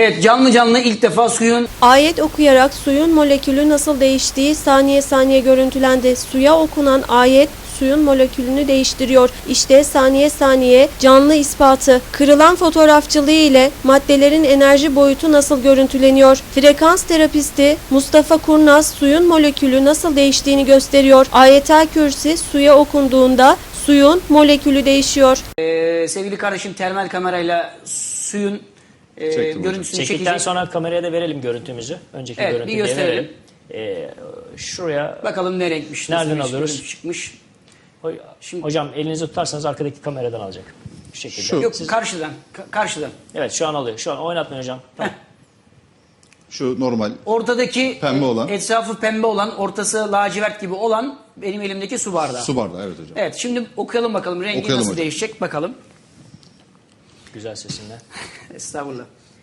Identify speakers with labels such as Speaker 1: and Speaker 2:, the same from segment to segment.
Speaker 1: Evet, canlı canlı ilk defa suyun
Speaker 2: Ayet okuyarak suyun molekülü nasıl değiştiği saniye saniye görüntülendi. Suya okunan ayet suyun molekülünü değiştiriyor. İşte saniye saniye canlı ispatı. Kırılan fotoğrafçılığı ile maddelerin enerji boyutu nasıl görüntüleniyor? Frekans terapisti Mustafa Kurnaz suyun molekülü nasıl değiştiğini gösteriyor. Ayetel Kürsi suya okunduğunda suyun molekülü değişiyor.
Speaker 1: sevgili kardeşim termal kamerayla suyun görüntüsünü
Speaker 3: Çektikten
Speaker 1: çekecek.
Speaker 3: sonra kameraya da verelim görüntümüzü. Önceki
Speaker 1: Evet,
Speaker 3: görüntüyü
Speaker 1: bir gösterelim.
Speaker 3: verelim. Şuraya
Speaker 1: Bakalım ne renkmiş.
Speaker 3: nereden
Speaker 1: nasıl bir
Speaker 3: alıyoruz?
Speaker 1: görüntü çıkmış.
Speaker 3: Hocam elinizi tutarsanız arkadaki kameradan alacak. Şu şekilde.
Speaker 4: Şu.
Speaker 1: Yok karşıdan. Karşıdan.
Speaker 3: Evet şu an alıyor. Şu an oynatmayın hocam. Tamam.
Speaker 4: Şu normal.
Speaker 1: Ortadaki
Speaker 4: Pembe olan.
Speaker 1: etrafı pembe olan, ortası lacivert gibi olan benim elimdeki su bardağı.
Speaker 4: Su bardağı, evet hocam.
Speaker 1: Evet, şimdi okuyalım bakalım rengi
Speaker 4: Okuyalım
Speaker 1: nasıl
Speaker 4: hocam.
Speaker 1: değişecek bakalım.
Speaker 3: Güzel sesinden.
Speaker 1: Estağfurullah.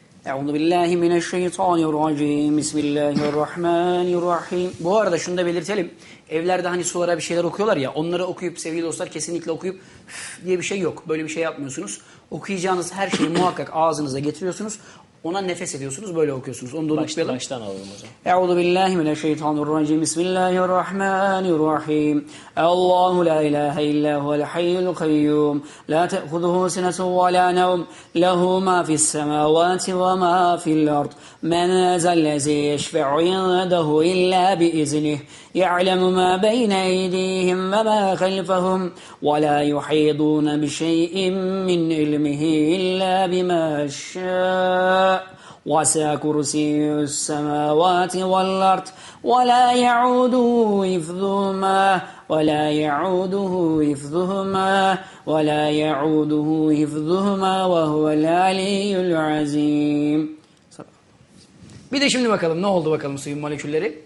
Speaker 1: Euzubillahimineşşeytanirracim. Bismillahirrahmanirrahim. Bu arada şunu da belirtelim. Evlerde hani sulara bir şeyler okuyorlar ya, onları okuyup sevgili dostlar kesinlikle okuyup diye bir şey yok. Böyle bir şey yapmıyorsunuz. Okuyacağınız her şeyi muhakkak ağzınıza getiriyorsunuz. Ona nefes ediyorsunuz, böyle okuyorsunuz. Onu da unutmayalım.
Speaker 3: Baştan alalım hocam.
Speaker 1: Euzubillahimineşşeytanirracim. Bismillahirrahmanirrahim. Allahu la ilahe illa huvel hayyul kayyum. La te'huzuhu sinetun ve la nevm. Lehu ma fis semavati ve ma fil ard. Men zellezi yeşfe'u indehu illa biiznih. Ya'lemu ma beyne eydihim ve ma khalfahum. Ve la yuhidun bi şey'in min ilmihi illa bima şâ. وَسَعَ كُرْسِيُّ السَّمَاوَاتِ وَالْأَرْضِ وَلَا يَعُودُهُ حِفْظُهُمَا وَلَا يَعُودُهُ حِفْظُهُمَا وَلَا يَعُودُهُ حِفْظُهُمَا وَهُوَ الْعَلِيُّ الْعَظِيمُ. Bir de şimdi bakalım ne oldu bakalım suyun molekülleri.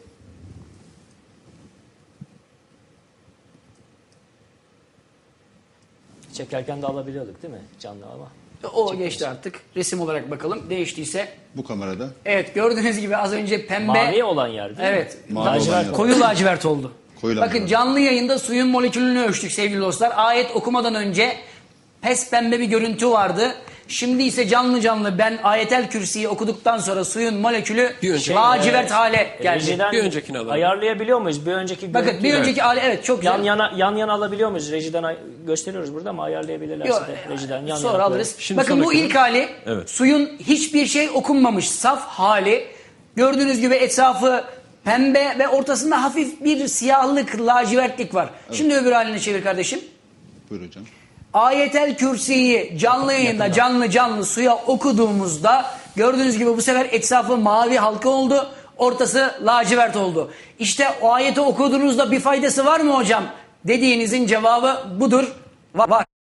Speaker 3: Çekerken de alabiliyorduk değil mi? Canlı ama.
Speaker 1: O geçti artık. Resim olarak bakalım. Değiştiyse.
Speaker 4: Bu kamerada.
Speaker 1: Evet, gördüğünüz gibi az önce pembe.
Speaker 3: Mavi olan yer değil mi?
Speaker 1: Evet.
Speaker 4: Mavi olan yer.
Speaker 1: Koyu lacivert oldu.
Speaker 4: Koyu
Speaker 1: Bakın
Speaker 4: lacivert.
Speaker 1: canlı yayında suyun molekülünü ölçtük sevgili dostlar. Ayet okumadan önce pes pembe bir görüntü vardı. Şimdi ise canlı canlı ben Ayetel Kürsi'yi okuduktan sonra suyun molekülü lacivert hale geldi.
Speaker 3: Rejiden
Speaker 5: Bir öncekini alalım.
Speaker 3: ayarlayabiliyor muyuz? Bir önceki
Speaker 1: Bakın
Speaker 3: görüntüyü
Speaker 1: bir önceki hali evet çok güzel.
Speaker 3: yan yana alabiliyor muyuz? Rejiden gösteriyoruz burada ama ayarlayabilirlerse
Speaker 1: Yok,
Speaker 3: de rejiden yan
Speaker 1: sonra
Speaker 3: yana
Speaker 1: alırız.
Speaker 5: Şimdi
Speaker 1: Bakın bu
Speaker 5: sonraki-
Speaker 1: ilk hali
Speaker 5: Evet.
Speaker 1: suyun hiçbir şey okunmamış saf hali. Gördüğünüz gibi etrafı pembe ve ortasında hafif bir siyahlık, lacivertlik var. Şimdi öbür halini çevir kardeşim.
Speaker 4: Buyur hocam.
Speaker 1: Ayetel Kürsi'yi canlı yayında canlı suya okuduğumuzda gördüğünüz gibi bu sefer etrafı mavi halka oldu. Ortası lacivert oldu. İşte o ayeti okuduğunuzda bir faydası var mı hocam? Dediğinizin cevabı budur. Var.